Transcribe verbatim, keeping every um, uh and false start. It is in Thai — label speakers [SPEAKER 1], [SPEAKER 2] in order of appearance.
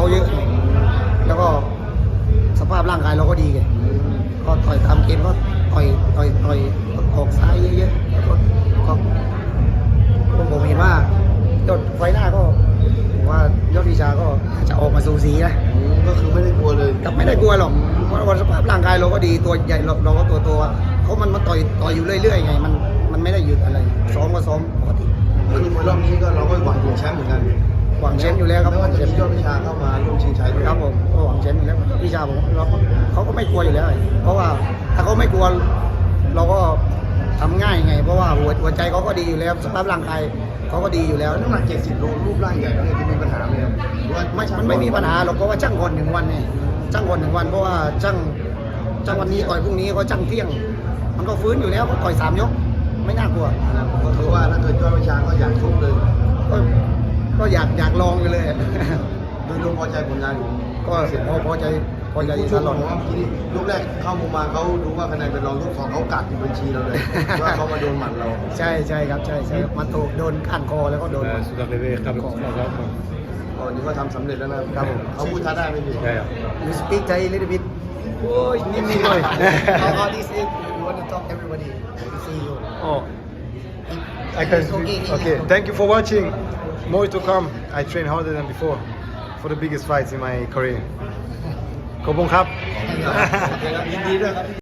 [SPEAKER 1] เยอะแล้วก็สภาพร่างกายเราก็ดีไงก็ต่อยตามเกมก็ต่อยต่อยต่อยออกซ้ายเยอะๆแล้วก็ก็ผมเห็นว่ายอดไฟหน้าก็ผมว่ายอดวิชาก็จะออกมาสูสีนะ
[SPEAKER 2] ก็คือไม่ได้กลัวเลย
[SPEAKER 1] กับไม่ได้กลัวหรอกเพราะว่าสภาพร่างกายเราก็ดีตัวใหญ่เราเราก็ตัวโตอะเขามันมาต่อยต่อยอยู่เรื่อยๆไงมันมันไม่ได้หยุดอะไรซ้อมก็ซ้อมปกติ
[SPEAKER 2] ก็คือมวยรอบนี้ก็เราก็หวังถึงแชมป์เหมือนกัน
[SPEAKER 1] หวังแชมป์อยู่แล้วครับ
[SPEAKER 2] ไม่ว่าจะมียอดวิชาเข้ามาร่วมชิงชัยด้วย
[SPEAKER 1] ครับผมก็หวังแชมป์อยู่แล้ววิชาผมเราก็เขาก็ไม่กลัวอยู่แล้ว เพราะว่าถ้าเขาไม่กลัวเราก็ทำง่ายไง เพราะว่าหัวหัวใจเขาก็ดีอยู่แล้วสภาพร่างกายเขาก็ดีอยู่แล้ว
[SPEAKER 2] แล้วน้ำหนักเจ็ดสิบโลรูปร่างใหญ่เนี่ยจะมีปัญหาไหมครับหรือว่า
[SPEAKER 1] ไม่มันไม่มีปัญหาหรอกเพราะว่าจ้างคนหนึ่งวันไงจ้างคนหนึ่งวันเพราะว่าจ้างจ้างวันนี้ต่อยพรุ่งนี้ก็จ้างเที่ยง มันก็ฟื้นอยู่แล้วก็ต่อยสามยกไม่น่ากลัว
[SPEAKER 2] ก็คือว่าถ้าเกิดยอดวิชาก็อยากชกเลย
[SPEAKER 1] ก็ก็อยากอยากลองอยู่เลย
[SPEAKER 2] โดยรวมพอใจผลงานของ
[SPEAKER 1] ก็พอพอใจพอใจ
[SPEAKER 2] ผู้ช
[SPEAKER 1] ต
[SPEAKER 2] ก
[SPEAKER 1] ลอด
[SPEAKER 2] ผมว่าเมื่อกี้นี่ยกแรกเข้ามุมมาเขาดูว่าคะแนนเป็นรองยกสองเขากัดอยู่บัญชีเราเลย ว่าเขามาโดนหมัดเรา
[SPEAKER 1] ใช่ใช่ครับใช่ใช่มาถูกโดนก้านคอแล้วก็โดน
[SPEAKER 3] Uh, zodat we weer gaan met
[SPEAKER 2] ตอนนี้ก็ทำสำเร็จแล้วนะครับ
[SPEAKER 1] ผม
[SPEAKER 2] เขาพูดท้าได้ไหมพี่
[SPEAKER 3] Ja, ja.
[SPEAKER 1] You speak Thai a little bit โอ้ยนิดนิดหน่อย How this is you want to talk everybody to see you
[SPEAKER 3] Oh, I can. Okay, thank you for watching. More to come. I train harder than before for the biggest fights in my career. ขอบคุณครับ
[SPEAKER 2] ยินดีด้วยครับ